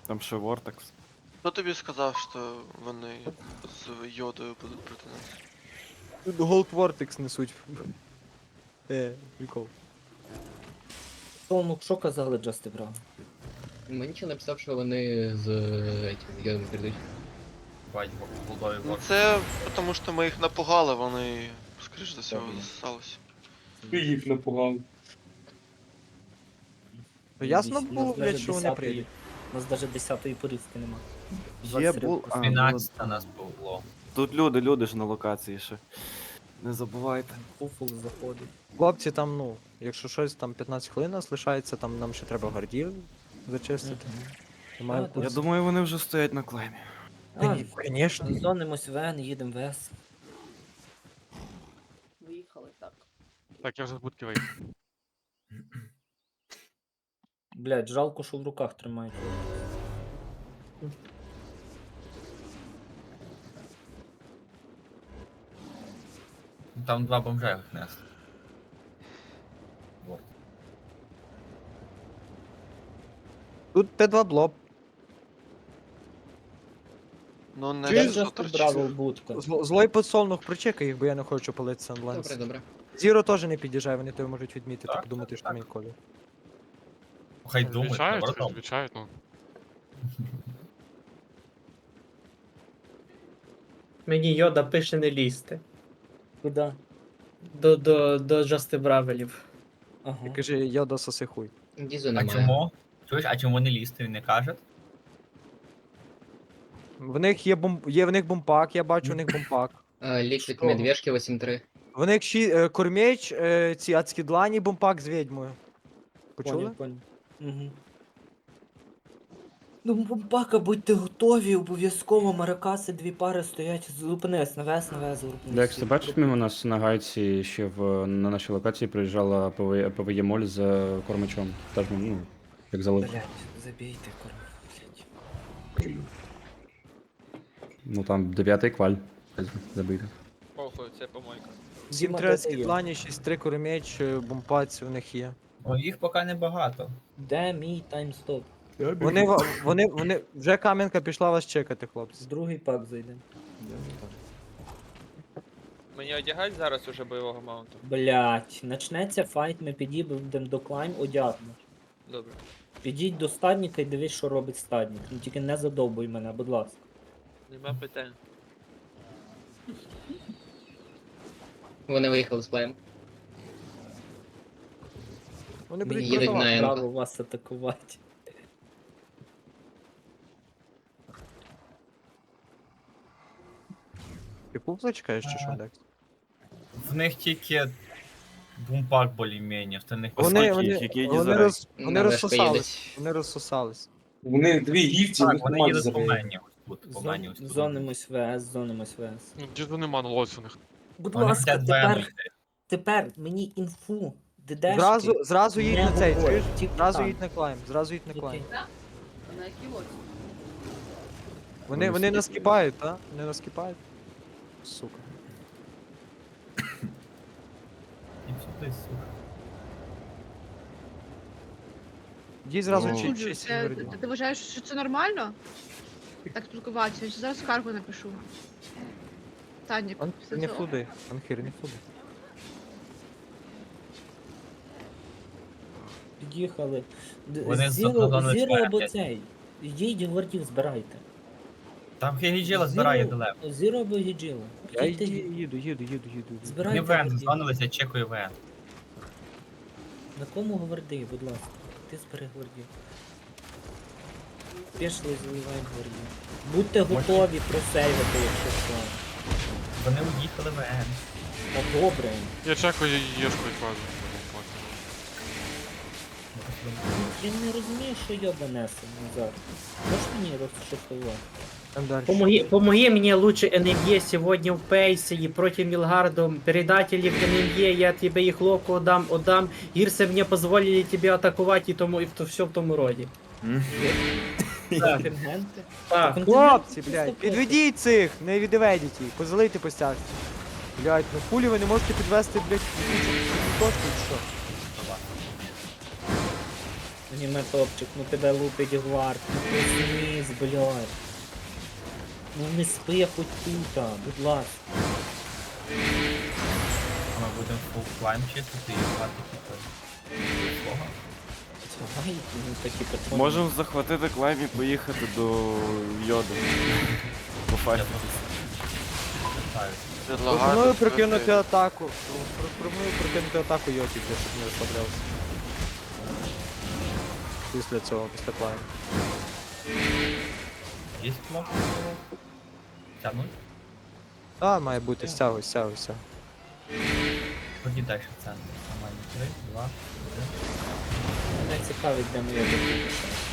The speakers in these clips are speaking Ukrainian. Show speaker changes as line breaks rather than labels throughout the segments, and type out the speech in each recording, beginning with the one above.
Там ще Вортекс.
Хто тобі сказав, що вони з йодою будуть проти нас?
Тут Gold Vortex несуть. Прикол.
Ну, що казали Джасти Браун?
Мені ще написав, що вони з этим йодом прийдуть.
Бать, голдові
Ну
вор.
це тому що ми їх напугали, вони, скоріш за все, засалися.
Ти їх напугав.
Ну ясно
Нас
було, блядь,
даже
що вони
10-ї
прийдуть.
У нас навіть 10-ї порізки нема.
Є
23
бул... А, ну,
12 нас було.
тут люди ж на локації ще. Не забувайте.
Фуфул заходить.
Хлопці, там, ну, якщо щось, там 15 хвилин нас лишається, там нам ще треба гардів зачистити. Немає
А,
Я думаю, вони вже стоять на клеймі.
Звісно.
Зонимось ВН, їдемо в С.
Виїхали так.
Так, я вже з будки вийду.
Блядь, жалко, що в руках тримають.
Там два бомжа їх несли. Вот.
Тут Т2 блоб.
Ну не
Чуєш,
що
Джаста Браво будка.
Злой подсолнух, причекай їх, бо я не хочу палити Сандленс.
Добре, добре.
Зіро теж не під'їжджає, вони тебе можуть відмітити,
Так,
подумати, що
так.
мій колі.
Хай думають,
Відвічають,
наоборот.
відвічають, ну.
Мені Йода пише не лізти.
Куда?
До Джасти Бравелів.
Ага.
І каже, я дососи хуй.
Дізу
А
немає.
чому? Чуєш, а чому не лізти, він не каже?
В них є в них бомпак, я бачу, в них бомпак.
Ліквід
Що?
медвежки 8-3.
В них кормєч, ці адські длані, бомпак з відьмою. Почули?
Понял. Угу. Ну, бомбака, будьте готові, обов'язково маракаси, дві пари стоять, зупинись, навес, зупинись.
Декс, ти бачиш, мимо нас на гайці ще на нашій локації приїжджала ПВЄ Моль з кормачом. Теж, ну, як залив.
Блять, забійте, корм, блять.
Ну там 9-й кваль. Забити.
Похуй, це помойка.
7-3 адські длані, 6-3 кормєч, бомпаць у них є.
О, їх поки небагато.
Де мій таймстоп?
Вони, вже кам'янка пішла вас чекати, хлопці.
З другий пак зайдемо.
Мені одягають зараз уже бойового маунту?
Блять, начнеться файт, ми підійдемо до клайм, одягну.
Добре.
Підіть до стадника і дивись, що робить стадник. Ну тільки не задовбуй мене, будь ласка.
Нема питань.
Вони виїхали з плеєм.
Вони будуть
Їдуть
продавати.
на Енко.
Право вас атакувати.
Ти пупла чекаєш чи що, Декс?
В них тільки бумпак більш-менш, в них
які
Вони
На вешку
розсосались.
їдуть.
Вони розсосались.
Вони дві гівці,
Так,
їх
вони
немає
їдуть по
забрати.
мені ось тут, по мені ось тут.
Зонимось ВС, зонимось ВС.
Ну, діду нема на лоці у них.
Будь
Вони
ласка,
хотять двоєм
тепер мені інфу. Дедешки.
Зразу їдь
не
на цей,
говорь,
чуєш?
тільки
Зразу
там.
їдь на клайм, зразу їдь на клайм.
Окей.
На якій лоці?
Вони наскіпають, так? Вони наскіпають. Сука.
І сюди, сука.
Їдь зразу
Ну.
чи чи сімерді.
Ти вважаєш, що це нормально? Так спілкуватися? Я зараз скаргу напишу. Танік, все
Не
це
фуди, Анхір, не фуди.
Під'їхали.
Вони зону
Зіро або
спереді.
цей. Йдіть гвардів збирайте.
Там Хегіджела збирає далеко.
Зіро або гіджіла.
Я їду.
Збирайте
Ми ВН
гвардів.
зонулися, чекаю ВН.
На кому гварди, будь ласка. Ти збери гвардів. Пішли, заливаємо гвардів. Будьте готові просейвити, якщо що.
Вони уїхали ВН.
Та добре.
Я чекаю єшку і фазу.
Я не розумію, що йоба несе назад. Можеш мені розшифрувати?
Там далі.
Помоги мне лучше НМЕ сегодня в пейсе и против Милгарда. Предатели в НМЕ, я тебе их локу отдам. Гирсы мне позволили тебе атаковать и то все в тому роді. Так,
Контингенти?
так.
Хлопці, блядь, підведіть цих, не відведіть їх, позалийте по стяжці. Блядь, ну хулі ви не можете підвести, блядь, точку чи що?
Аніме топчик, ну тебе лупить гвард, ну проснись, блядь. Ну не спи хоч тут, будь ласка.
А ми будемо фул клайм чистити і грати типу свого.
Давай, ну такі патрони.
Можемо захватити клайм і поїхати до Йоди. Пофайтитися.
Питаю.
Пропоную
Предлагаю
прокинути атаку. Пропоную прокинути атаку Йоті, щоб не розслаблявся. Після цього, після клайм.
Є кнопка? Тягнуть?
А, має бути, стягуй.
Тоді далі центр. Нормально. 3, 2, 1.
Мене цікавить, де моя допомога.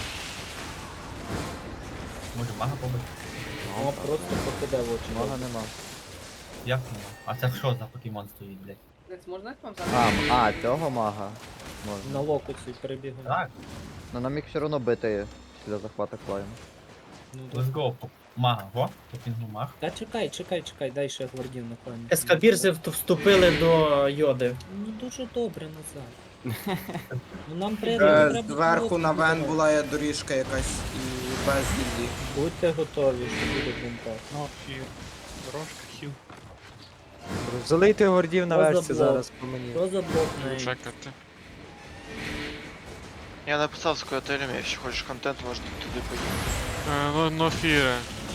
Може мага побити?
О, просто покиде в очі.
Мага нема.
Як нема? А це що за покемон стоїть, блядь?
Цього мага. Можна.
На локуці перебігає.
Так,
Но нам їх все одно бити після захвату клайм.
Ну,
let's go. Мага, го? Попінгну маг.
та чекай, дай ще гвардів на коні. Ескабірзи вступили до Йоди. Ну дуже добре назад. Ну нам треба...
Зверху на Вен була доріжка якась і без гільдії.
Будьте готові, що буде бунтар.
Ну, і дорожка, хіл.
Залийте гордів на
Що за
версі
блок?
зараз по мені.
Що за блок на
Чекати.
Я написав з котелем, якщо хочеш контент, можна туди поїхати.
Нофіри.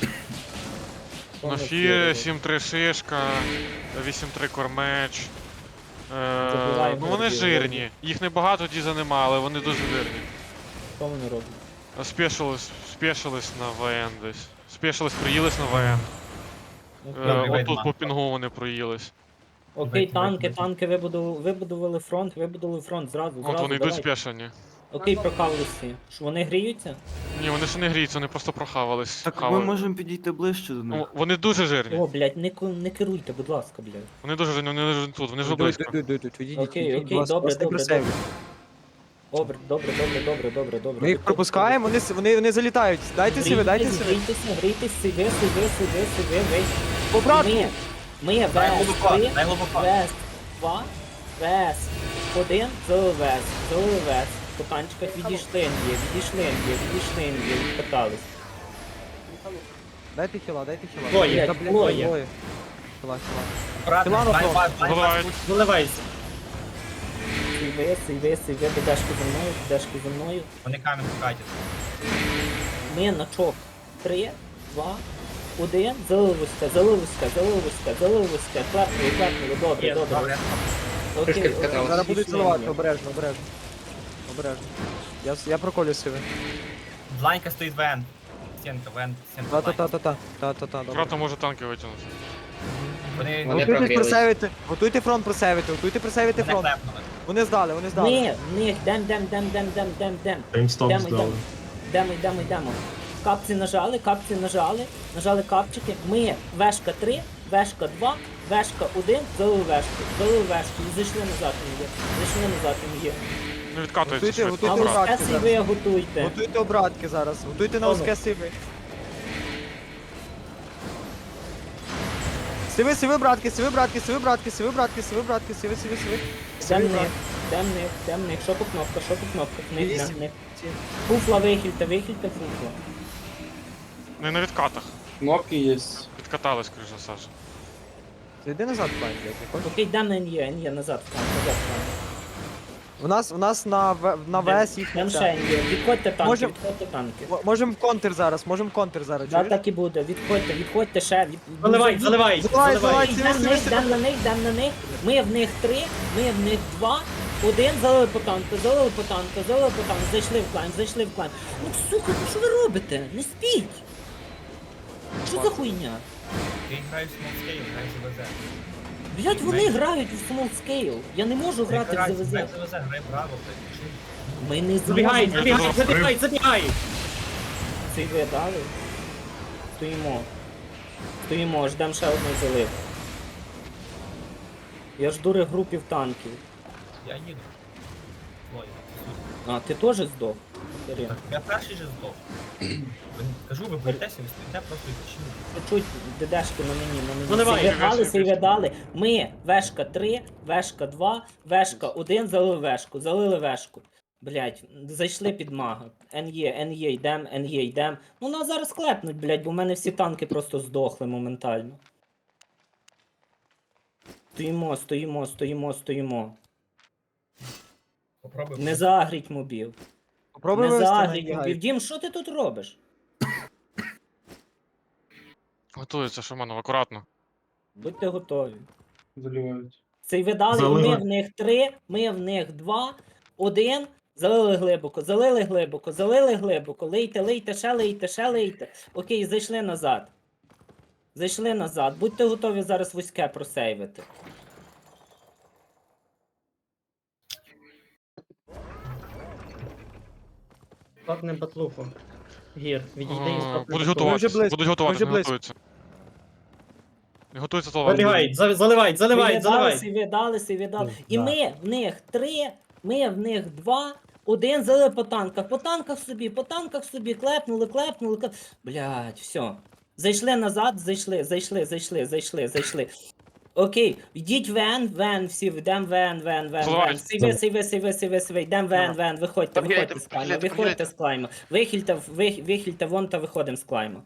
Нофіри, 7-3 шишка, 8-3 кормеч.
Забиваємо
Ну вони
гордів,
жирні. Їх небагато, діза нема, але вони дуже жирні.
Що вони роблять?
Спешились на ВН десь. Спешились, приїлись на ВН.
Добрий
Отут
вейдман.
по пінгу вони проїлись.
Окей,
Давайте.
танки вибудували фронт зразу.
От вони йдуть
давай.
спешені.
Окей, прокавилися. Що вони гріються?
Ні, вони ще не гріються, вони просто прохавались.
Так ми
Хавають.
можемо підійти ближче до них.
Ну, вони дуже жирні.
О, блядь, не керуйте, будь ласка, блядь.
Вони дуже жирні, вони не тут, вони вже близько.
Відійдіть,
Окей,
будь ласка,
добре.
просто просейвіть.
Добре.
Ми їх пропускаємо, вони залітають. Дайте сиви.
Грійтесь, сиви, весь.
Обратно!
Ми,
Дай
вес,
глибоко,
3,
дай глибоко.
вес, 2, вес, 1, вес. По танчиках відійшли, відкатались.
Дайте хіла.
Двоє,
Та, блін,
двоє.
Хіла.
Брат,
Філанов
бай,
просто.
бай,
Заливають.
Виливайся. Сиви, дешки за мною.
Вони камінь катять.
Ми на чок. 3, 2, 1, заливуська. Клепнули, добре.
Трошки
Окей,
вкатали.
Зараз будуть
відійшли
заливати,
мені.
обережно. Я проколю сиви.
Бланька стоїть Вен. Стінка, Вен, стінка. Бланька.
Та.
Брата може танки витягнути.
Вони
Вони прогрілись.
Готуйте фронт просейвити
мене
фронт.
клепнули.
Вони здали.
Ми, в них, дем. Йдемо. Капці нажали, капчики. Ми, вешка 3, вешка 2, вешка 1, залили вешку. І зайшли назад є.
Не відкатується
Готуйте,
швидко.
А
готуйте
Брат.
обратки
ось ви готуйте.
Готуйте обратки зараз. Готуйте на узке сиви. Сиви, братки.
Темних. Що по кнопках? В них.
Вісім.
Фуфла вихильте, фуфла.
Не на відкатах.
Кнопки є.
Відкатались, скоріш за все.
Йди назад, пань, блядь, не хочеш?
Окей, дам на НЄ, назад в танк.
У нас на ВС їх
Там ще НЄ. Відходьте танки.
Можемо в контр зараз,
Да,
чуєш?
так і буде. Відходьте ще.
Заливай,
Заливай.
сиви.
Дам на них. Ми в них 3, ми в них 2. 1, залили по танку. Зайшли в клан. Ну, сука, ну що ви робите? Не спіть. Що за хуйня?
Ти граєш в смолскейл, граєш в ВЗ.
Блять, вони грають у small scale. Я не можу грати в ЗВЗ.
Грай в ЗВЗ, грай право, блядь.
Ми не
Забігай,
зможемо.
забігай.
Цей ви дали? Стоїмо, ждем ще одну залив. Я жду регрупів танків.
Я їду. Двоє.
А, ти теж здох? Кирил.
Так, я перший же здох. Кажу, ви боїтеся, ви стоїте просто і почали.
Чуть дедешки на мені.
Заливай,
Сейве дали. Ми, вешка 3, вешка 2, вешка 1, залили вешку.
Блять, зайшли під мага. НЄ, йдем. Ну нас зараз клепнуть, блять, бо в мене всі танки просто здохли моментально. Стоїмо.
Попробуй.
Не загріть мобів.
Попробуй
Не
вивести на
загріть
Ігай.
мобів. Дім, що ти тут робиш?
Готується, Шаманов, акуратно.
Будьте готові.
Заливають.
Цей видали, і ми в них 3, ми в них 2, 1. Залили глибоко. Лейте, ще лейте. Окей, зайшли назад. Будьте готові зараз вузьке просейвити.
Стопне батлуху. Гір, відійди і стопне
Будуть
батлуху.
готуватися,
близько,
будуть готуватися,
вже
не
близько.
готуються. Не готуються то вам.
Забігають, заливають.
Видали. І ми в них 3, ми в них 2, 1, залили по танках. По танках собі, клепнули. Блядь, все. Зайшли назад, зайшли. Окей, йдіть вен, всі, йдем вен. Сейви, йдем вен, виходьте з клайма. Вихильте вон та виходимо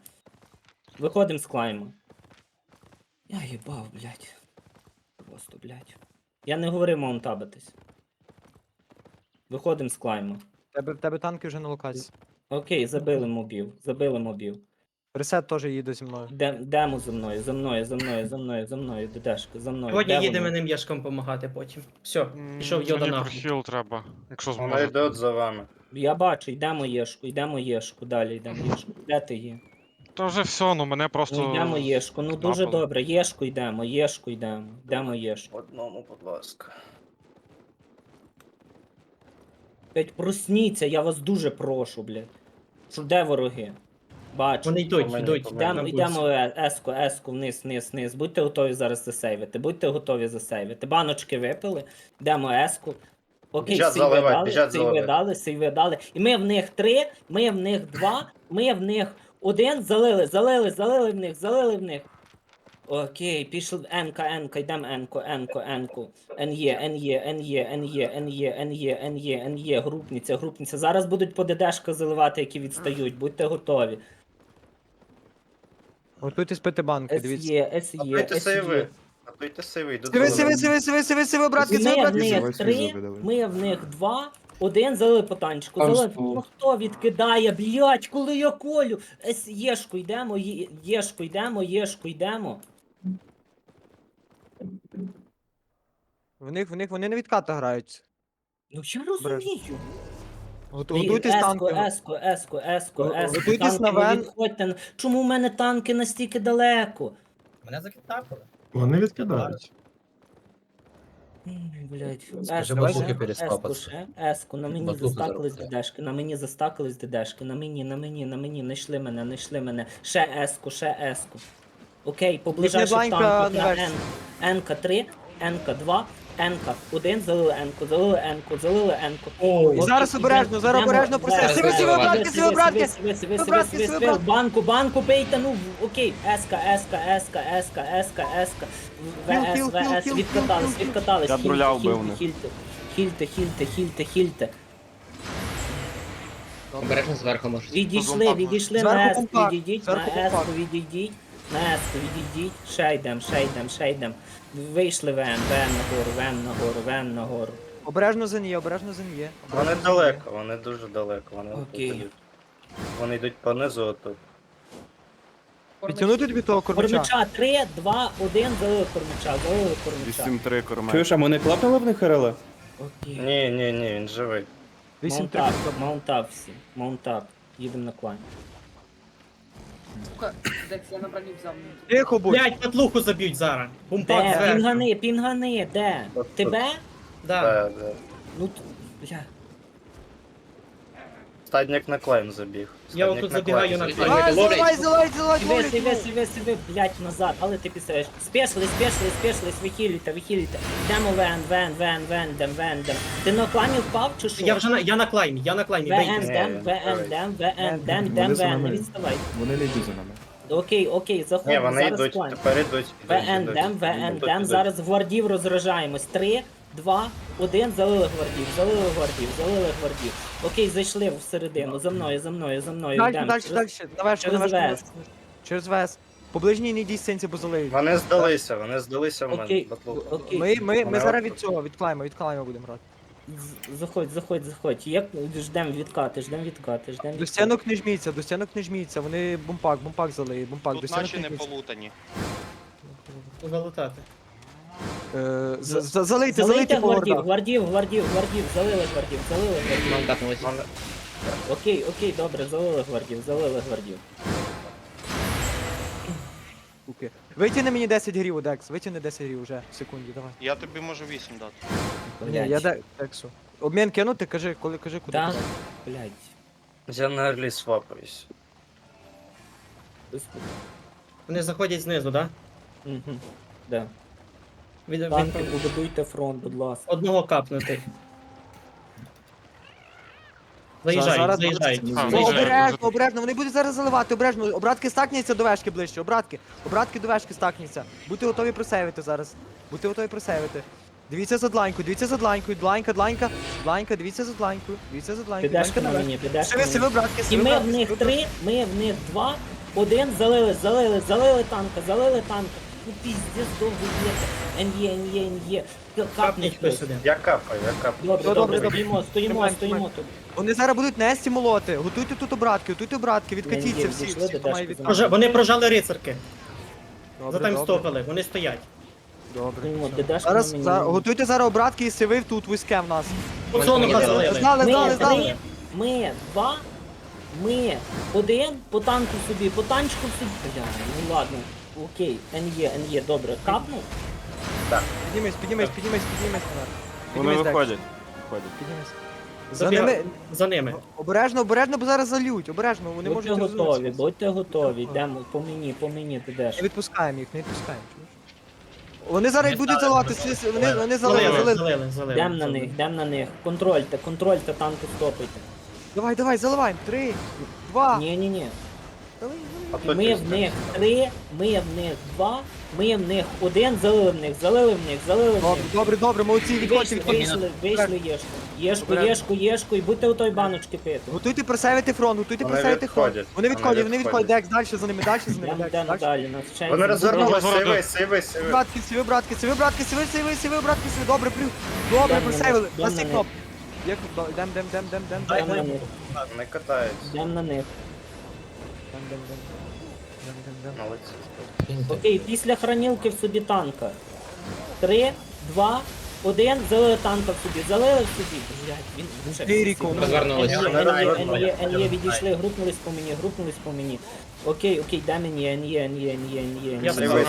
з клайма. Я їбав, блядь. Просто, блядь. Я не говорив маунтабитись. Виходимо з клайма.
В тебе танки вже на локації.
Окей, забили мобів.
Ресет теж їде зі мною.
Демо за мною, дедешка, за мною.
Сьогодні
Де
їдемо
вони?
ним яшком допомагати потім. Все, пішов Йода
Мені
нахуй.
прохіл треба, якщо
Вона
зможе.
йде за вами.
Я бачу, йдемо єшку, далі йдемо єшку. Де ти є?
Та вже все, ну мене просто...
Ну йдемо єшку, ну дуже
знапало.
добре, єшку йдемо. Йдемо єшку.
Одному, будь ласка.
Блять, просніться, я вас дуже прошу, блядь. Що де вороги? Бачу.
Вони йдуть.
Йдемо еску, вниз. Будьте готові зараз засейвити. Баночки випили, йдемо еску. Окей,
Біжать заливати, біжать
сейви дали. І ми в них 3, ми в них 2, ми в них 1, залили в них. Окей, пішли енка, йдемо енку. НЄ, групниця. Зараз будуть по ДДшках заливати, які відстають, будьте готові.
Готуйтесь пити банки, дивіться.
Готуйте сейви. Готуйте сейви. йдуть
Сиви, братки,
Ми в них 3, ми в них 2, 1, залили по танчику. Ну хто відкидає, блядь, коли я колю? Єшку йдемо.
В них вони не відката грають.
Ну я розумію.
Готуйтесь танки.
Еску.
Готуйтесь на
Танки,
вен.
відходьте. Чому в мене танки настільки далеко?
Мене закидапили.
Вони відкидають.
Блять,
Скажи, батлухи перестопаться.
еску, на мені
Батлухи
застакались
заробляють.
дедешки, на мені, знайшли мене, ще еску. Окей, поближайши
бланька
танку
на
на
версії.
Енка 3, Енка 2, Енка 1, залили енку.
І зараз обережно просить. Сиви, братки.
Банку пейте, ну, окей. Еска. ВС, відкатались.
Я бруля вбив них.
Хільте.
Обережно зверху можуть.
Відійшли
Зверху
на еску,
компакт,
відійдіть,
зверху
на еску
компакт.
відійдіть. Ще йдем. Вийшли вен нагору.
Обережно за неї.
Вони далеко, вони дуже далеко. Вони
Окей.
тут йдуть. Вони йдуть понизу отут.
Підтягнути тобі того кормача.
Кормича 3, 2, 1, залили кормича.
8-3 кормет.
а вони клапнули в них РЛ?
Окей.
Ні, він живий.
8-3.
Маунтап всі. Маунтап. Їдемо на клан.
Тихо будь.
Блять, батлуху заб'ють зараз. Бумпак
Де?
зверху.
Пінгани, де?
Тут.
Тебе?
Да.
Ну, бля.
Стадник на клейм забіг.
Я
Стадник
отут забігаю на
забіг.
клейм.
Заливай,
Сиви, блядь, назад, але ти пісаєш. Спешились, вихилюйте. Йдемо вен. Ти на клані впав чи що?
Я на клаймі, бейте.
ВН, не відставай.
Вони не йдуть за нами.
Окей,
Ні,
заходимо,
вони
зараз
йдуть,
клан.
тепер йдуть.
ВН, зараз гвардів розражаємось. 3, 2, 1, залили гвардів, залили гвардів, залили гвардів. Окей, зайшли всередину, за мною, за мною, за мною,
Дальше,
йдемо.
дальше, дальше. На вешку, на
через
вешку.
вес.
Через вес. По ближній не йдіть синці, бо залиють.
Вони здалися в
Окей,
батлуху.
окей.
Ми зараз від цього, від клайма будемо грати.
Заходь. Як ждем відкати, ждем відкати.
До стінок не жміться, вони бумпак залиють, бумпак, до стінок не жміться.
полутані.
Залутати.
Залийте
Залийте
по
гвардів,
гордах.
гвардів, залили гвардів.
Нам катнулись.
Окей, добре, залили гвардів.
Окей. Витягни мені 10 грів, Одекс, витягни 10 грів вже, в секунді, давай.
Я тобі можу 8 дати.
Ні, я Дексу. Обмін кинути, кажи, куди
Да,
кинути.
блядь.
Я на арлі свапаюсь.
Вони заходять знизу, так?
Мгм. Да.
Від
Танки, побудуйте фронт, будь ласка.
одного капнути. Заїжджають.
Обережно, вони будуть зараз заливати, обережно. Обратки стакняться до вешки ближче, обратки до вешки стакняться. Будьте готові просейвити зараз. Дивіться за дланькою, дланька, дивіться за дланькою.
Підешка на мені, підешка на
Сиви,
мені.
братки,
І
сиви,
ми в
братки,
них
сиви,
3, ми в них 2, 1, залили танка. Ну піздець довго є. НЄ. Капнуть хтось.
сюди.
Я капаю.
Добре, стоїмо тут.
Вони зараз будуть нести молоти. Готуйте тут обратки, відкатіться всі.
Дійшли
Всі,
до
хто має
дашки.
відкати.
Вони прожали рицарки.
Добре,
Затаймстопили, вони стоять.
Добре.
Стоїмо, дедашка на мені.
Готуйте зараз обратки і сиви тут вузьке в нас.
Поцонуха залили.
Знали.
Ми 2, ми 1, по танку собі, по танчику собі. Бля, ну ладно. Окей, НЄ, добре. Капнув?
Піднімись.
Вони виходять.
За ними.
За ними.
Обережно, бо зараз залють. Обережно, вони можуть розвернутися.
Будьте готові, йдемо по мені, дедаш.
Не відпускаємо їх, чуєш? Вони зараз будуть заливати, вони залили.
Йдемо на них. Контрольте, танки стопайте.
Давай, заливаємо. 3, 2.
Ні. Ми в них 3, ми в них 2, ми в них 1, залили в них.
Добре, молодці, відходьте.
Вийшли єшку, і будьте у той баночки пити.
Готуйте просевити фронт. Вони відходять. Декс, далі за ними.
Йдемо далі, нас вчать.
Вони розвернули, сиви.
Сиви, братки, добре, просевили. На всі кнопки. Дем.
Не катаюсь.
Йдемо на них.
Молодці.
Окей, після хранілки в собі танка. 3, 2, 1, залили танка в собі. Блядь, він вже.
Розвернулись.
НЄ відійшли, групнулись по мені. Окей, дай мені, НЄ.
Я
Сиви.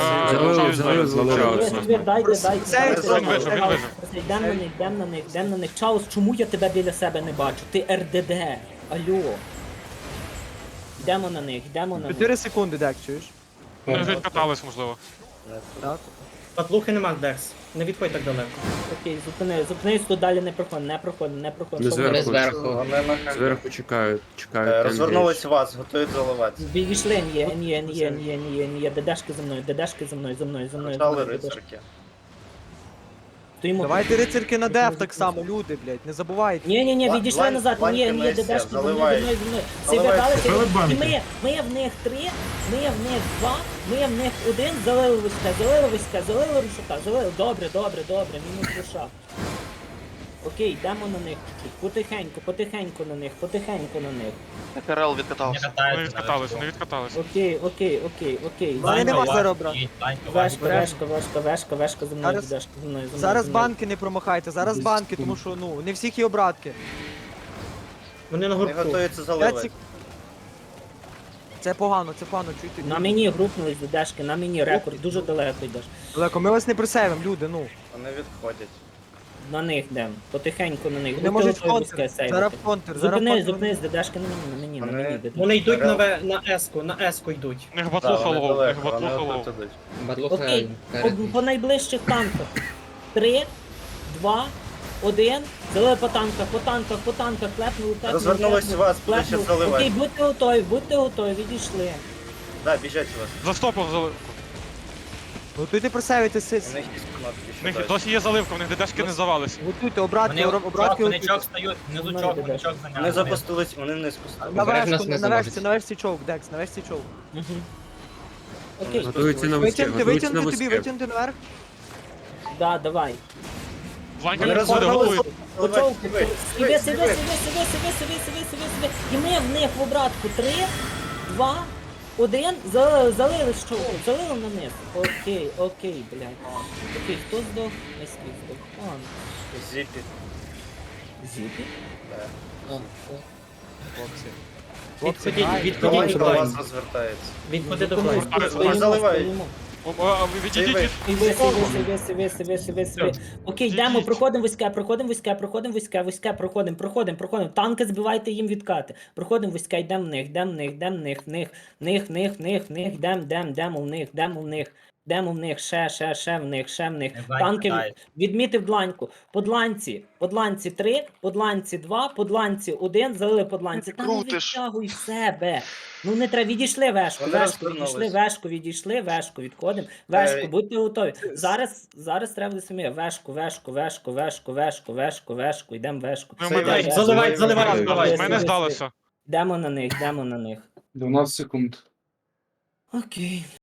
Йдем на них. Чаус, чому я тебе біля себе не бачу? Ти РДД. Алло. Йдемо на них.
4 секунди, Дек, чуєш?
Вони вже відкатались, можливо.
Так.
Патлухи нема, Декс. Не відходь так далеко.
Окей, зупинись, тут далі не проходь.
Вони зверху.
Вони на хай.
Зверху чекають.
Розвернулись вас, готують заливати.
Відійшли, НЄ. Дедашки за мною.
Почали рицарки.
Стоїмо.
Давайте рицарки на деф так само, люди, блядь, не забувайте.
Ні, відійшли назад, ні, дедашки за мною. Сивидалися, і ми в них 3, ми в них 2, ми в них 1, залили рушака, добре, мінус руша. Окей, йдемо на них чуть-чуть, потихеньку на них.
КРЛ відкатався.
Вони відкатались.
Окей.
Вони нема зараз, брат.
Вешка за мною, дедашки за мною.
Зараз банки не промахайте, тому що, не всіх є обратки.
Вони на
Вони
гуртку.
готуються заливати.
Це погано, чуйте.
На мені групнулись дедашки, на мені рекорд, дуже далеко йдеш.
Далеко, ми вас не присейвимо, люди,
Вони відходять.
На них йдем, потихеньку на них.
Вони можуть контр, зараз контр.
Зупинись, дедашки на мені, дедашки.
Вони йдуть на еску йдуть.
У них батлуха лоу.
Окей, по найближчих танках. 3, 2, 1, залили по танках, клепнули.
Розвернулись вас, будуть ще заливати.
Окей, будьте готові, відійшли.
Да, біжать вас.
Застопив залив.
Готуйте просевити сис.
У них досі є заливка, у них ДДшки не завались.
Готуйте, обратки,
Вони
обратки
вони
готуйте.
чок стають, внизу чок, вони чок зайняли.
Вони запустились, вони не спустили.
На
Обережно
вершку,
нас не
на вершці,
заводять.
на вершці човк, Декс, на вершці човк.
Окей,
Готуються на вузьке,
Витягнути,
готуються на
витягнути тобі,
вузьке.
витягнути наверх.
да, давай.
Ванька
Вони
підходить,
розвернулись.
готує.
Почов, себе. І ми в них в обратку 3, 2, 1, залили що? Залили на низ. Окей, блядь. Окей, хто здох? Майський здох.
Зіпі.
Зіпі?
Відходіть, відходіть, до вас розвертається. Відходи до клайму. Вони заливають.
Відійдіть від...
Сиви. Окей, йдемо, проходимо вузьке, проходимо. Танки збивайте їм відкати. Проходимо вузьке, йдемо в них, йдемо в них, ще в них. Танки відмітив дланьку. По дланці 3, по дланці 2, по дланці 1, залили по дланці. Та не
Крутиш.
відтягуй себе. Ну не треба, відійшли вешку, відійшли вешку, відходимо. Вешку, будьте готові. Зараз треба до самі. Вешку, йдемо вешку.
Заливай. Мене здалося.
Йдемо на них.
12 секунд.
Окей.